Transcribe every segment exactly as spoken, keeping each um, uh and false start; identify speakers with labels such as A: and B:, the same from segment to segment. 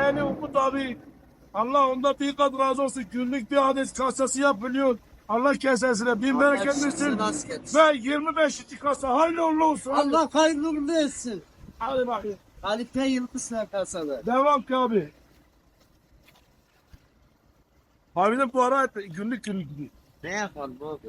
A: yeğeni Umut abi. Allah onda bir kat razı olsun. Günlük bir adet kasası yapılıyor. Allah kesesine bin bereket versin. Ve yirmi beşinci kasa hayırlı uğurlu olsun. Hadi.
B: Allah hayırlı uğurlu etsin.
A: Hadi bakayım.
B: Halife Yıldız kasalı.
A: Devam ki abi. Harbiden bu ara günlük günlük gidiyor.
B: Ne yapalım abi?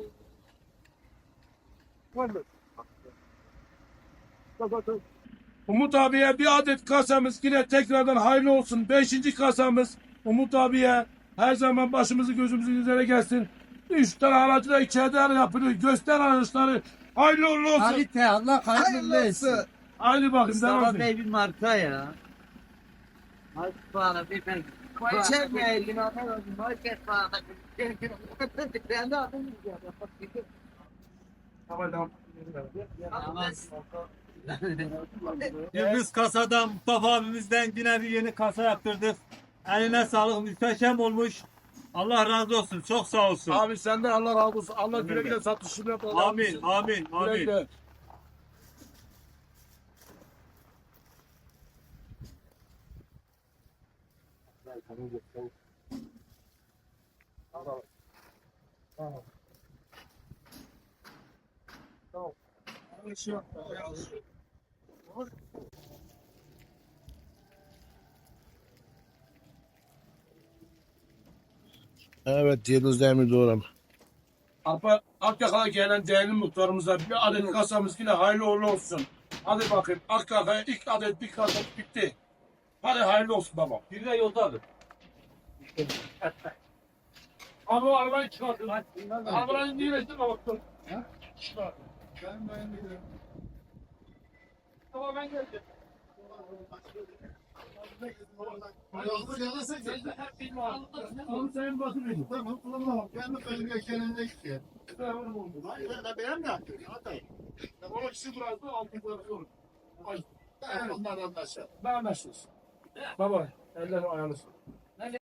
A: Umut abiye bir adet kasamız yine tekrardan hayırlı olsun. Beşinci kasamız Umut abiye her zaman başımızı gözümüzün üzerine gelsin. Üç tane aracı da içeride yapılıyor. Göster araçları. Hayırlı uğurlu olsun.
B: Halife Allah hayırlı uğurlu etsin.
A: Haydi bakayım devam
B: Mustafa
A: edin.
B: Bey bir marka ya. Hadi bana bir ben. Koyacağım ya elini atarım. Market bana. Ben de adım
C: Biz kasadan, Mustafa abimizden yine bir yeni kasa yaptırdık. Eline sağlık, muhteşem olmuş. Allah razı olsun, çok sağ olsun.
A: Abi senden Allah razı olsun. Allah güle güle satışını yap. Allah
C: Amin,
A: razı olsun.
C: amin,
A: Güle
C: amin.
A: güle.
D: Evet, Yıldız Demir doğru.
A: Apa Akyaka'ya gelen değerli muhtarımıza bir adet kasamız yine hayırlı uğurlu olsun. Hadi bakayım Akyaka'ya ilk adet bir kasa bitti. Hadi hayırlı olsun baba.
C: Bir de yolda abi.
A: Abi o arabayı çıkartın. Arabayı niye ettin baba?
D: Ben ben biliyorum.
A: Tamam ben geldim.
D: Yolda yanarsa
A: Onu senin basın edin.
D: tamam, kullanamam. Ben de bölge kenarında gidiyor. Hayır, ben benim de yaptım. Hatay.
A: O ikisi bıraktı altı bıraktı. Ay.
D: Ben onlardan anlaşılır.
A: Ben anlaşırız. Baba eller ayarlısın.